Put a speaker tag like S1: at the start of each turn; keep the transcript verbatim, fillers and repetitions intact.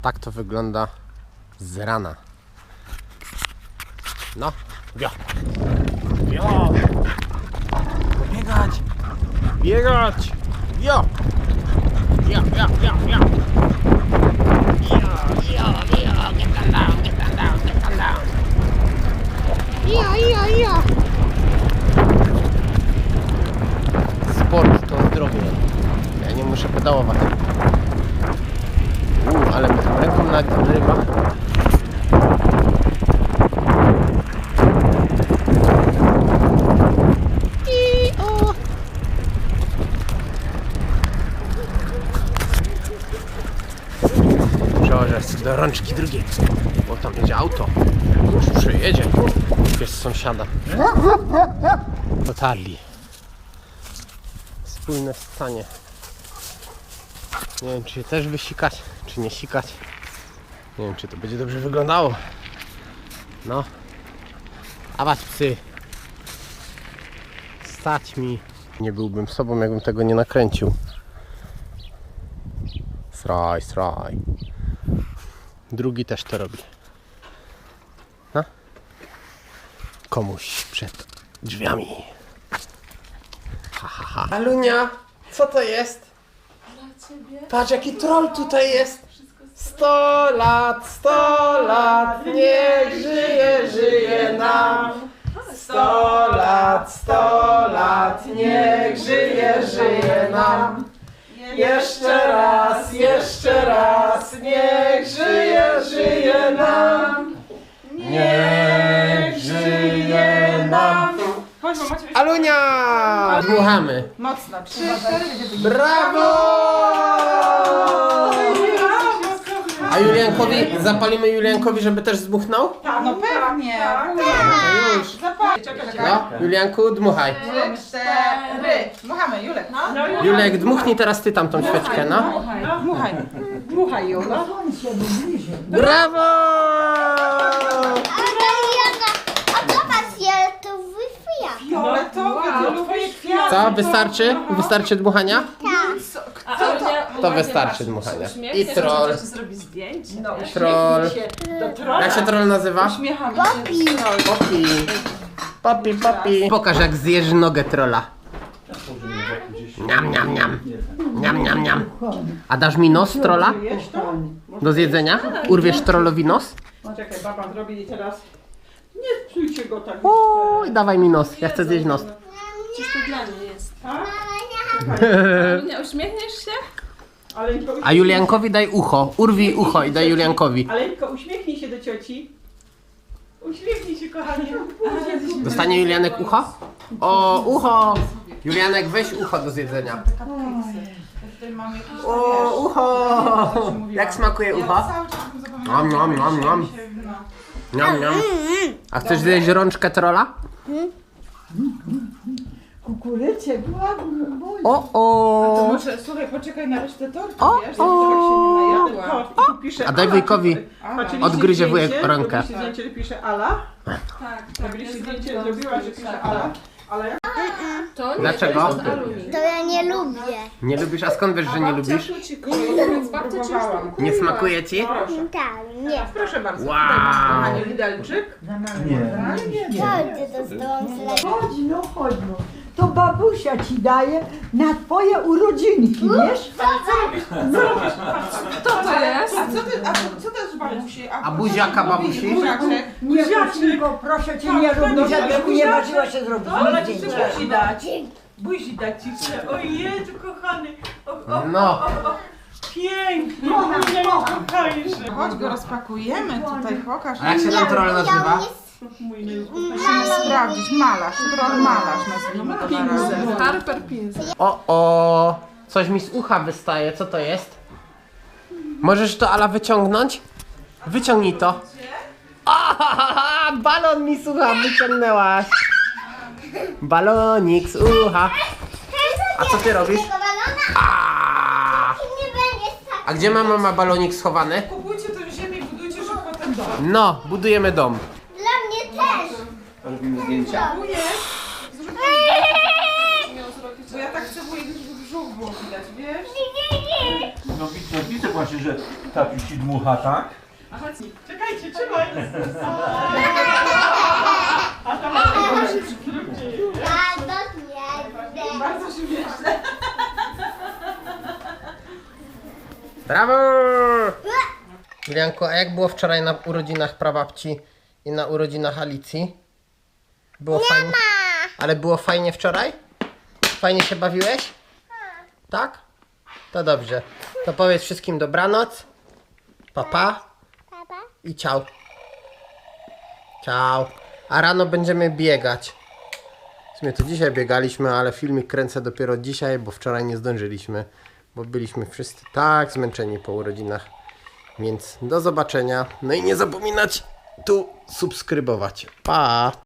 S1: Tak to wygląda z rana. No, wio. Wio. Biegać. Biegać. Wio. Wio, wio, wio, wio. Wio, wio, wio. Get them down, get them down, get them down. Wio, wio, wio. Sport to zdrowie. Ja nie muszę pedałować. Uuu, ale mnie tą ręką nagrywa. I o! Przełożę do rączki drugiej, bo tam jedzie auto. Już przyjedzie. Jest sąsiada. Dotarli. Spójne stanie. Nie wiem, czy się też wysikać, czy nie sikać. Nie wiem, czy to będzie dobrze wyglądało. No. Awać psy. Stać mi. Nie byłbym sobą, jakbym tego nie nakręcił. Sraj, sraj. Drugi też to robi. No. Komuś przed drzwiami. Ha, ha, ha. Alunia, co to jest? Patrz, jaki troll tutaj jest! Sto lat, sto lat, niech żyje, żyje nam! Sto lat, sto lat, niech żyje, żyje nam! Jeszcze raz, jeszcze raz, niech żyje, żyje nam! Niech żyje nam! Alunia! Dmuchamy!
S2: Mocno, trzy, cztery.
S1: Brawo! A Juliankowi, zapalimy Juliankowi, żeby też zdmuchnął?
S2: Tak, no pewnie.
S1: No już. No, Julianku, dmuchaj.
S2: Trzy, cztery. Dmuchamy, Julek. No.
S1: Julek, dmuchnij teraz ty tam tą świeczkę, no.
S2: Dmuchaj. Dmuchaj, Julek.
S1: Brawo!
S3: A to was to wyfija.
S2: Fioletowy, to twoje kwiaty.
S1: Co, wystarczy? Wystarczy dmuchania?
S3: Tak.
S2: Co to?
S1: To wystarczy dmuchania. I troll.
S4: Zrobi zdjęcie.
S2: No,
S1: Troll.
S2: do trolla.
S1: Jak się troll nazywa?
S2: Uśmiechamy się.
S1: Popi. Popi, popi. Pokaż, jak zjesz nogę trolla. Niam, niam, niam. Niam, niam, niam. A dasz mi nos trolla?
S2: Wiesz to?
S1: Do zjedzenia? Urwiesz trollowi nos?
S2: No czekaj, baba zrobi teraz. Nie psujcie go tak.
S1: Oj, dawaj mi nos. Ja chcę zjeść nos.
S4: Przecież to dla mnie jest.
S2: Tak?
S4: Nie uśmiechniesz się?
S2: Ale tylko
S1: A Juliankowi daj ucho. Urwij ucho i daj Juliankowi.
S2: Ale tylko uśmiechnij się do cioci. Uśmiechnij się, kochanie.
S1: Dostanie Julianek ucho? O, ucho! Julianek, weź ucho do zjedzenia.
S2: Tutaj mam jakieś
S1: O, ucho! Jak smakuje ucho?
S2: cały czas bym zapomniała.
S1: Nom, nom, nom, nom.
S2: No.
S1: Niam, niam. A chcesz zjeść rączkę trolla?
S5: Kukurycie, ładnie,
S1: O,
S2: To
S1: o!
S2: może, słuchaj, poczekaj na resztę tortu,
S1: O,
S2: wiesz?
S1: o.
S2: Żeby tak się nie najadła. I tu pisze
S1: A daj
S2: Ala.
S1: wujkowi.
S2: Patrzyliście
S1: Odgryzie wujek
S2: zdjęcie?
S1: rękę.
S2: Robiliście zdjęcie, że pisze Ala?
S4: Tak, tak.
S2: Robiliście
S4: ja
S2: zdjęcie,
S4: zrobiłam
S2: zrobiła, że
S4: zdjęcie,
S2: pisze
S4: tak.
S2: Ala? Ale jak?
S4: To nie,
S1: Dlaczego?
S4: to jest od aluminium.
S3: To ja nie lubię.
S1: Nie lubisz? A skąd wiesz, że nie lubisz?
S4: Babcia ci kupiła, więc babcia ci już
S2: Próbowałam.
S4: kupiła.
S1: Nie smakuje ci?
S2: Proszę.
S3: Tak, nie.
S2: Proszę bardzo.
S1: Wow.
S2: Tutaj masz, kochanie, widelczyk.
S3: Chodź do stołu zlepić.
S5: chodź no, chodź no. To babusia ci daje na twoje urodzinki, wiesz?
S4: Kto to jest?
S2: A co ty, a co, co to jest babusi?
S1: A buziaka babusi?
S2: Buziaczek.
S5: Nie zacznij go, proszę cię, nie rób mi, żebyś mi nie ważyła się zrobić
S2: Ale
S5: mi
S2: ci
S5: zdjęcia.
S2: buzi dać. Buzi dać ci chcę. O Jezu, kochany. O, o,
S1: No.
S2: o, o. Pięknie. Moje kochańsze. Chodź go rozpakujemy tutaj, pokaż.
S1: A jak się ten troll nazywa?
S2: Musimy sprawdzić. Malarz, troll malarz nazwijmy go na razie.
S4: Harper Pins.
S1: O, o! Coś mi z ucha wystaje. Co to jest? Możesz to, Ala, wyciągnąć? Wyciągnij to. O, balon mi z ucha wyciągnęłaś. Balonik z ucha. A co ty robisz?
S3: Tego balona
S1: A,
S3: nie będzie tak.
S1: a gdzie ma mama balonik schowany?
S2: Kupujcie tę ziemię i budujcie szybko ten dom.
S1: No, budujemy dom.
S3: Dla mnie też.
S2: Wujek, zrób bo ja tak chcę wujek, żeby brzuch było widać, wiesz?
S3: Nie, nie.
S6: No widzę, widzę właśnie, że tatuś ci dmucha, tak?
S4: A chodź.
S2: Czekajcie, trzymaj.
S3: Bardzo śmieszne.
S2: Bardzo śmieszne.
S1: Brawo! Julianku, a jak było wczoraj na urodzinach prababci i na urodzinach Alicji? Było fajnie? Ale było fajnie wczoraj? Fajnie się bawiłeś? Tak? To dobrze. To powiedz wszystkim dobranoc. Pa, pa.
S3: Papa?
S1: I ciao. Ciao. A rano będziemy biegać. W sumie to dzisiaj biegaliśmy, ale filmik kręcę dopiero dzisiaj, bo wczoraj nie zdążyliśmy. Bo byliśmy wszyscy tak zmęczeni po urodzinach. Więc do zobaczenia. No i nie zapominać tu subskrybować. Pa!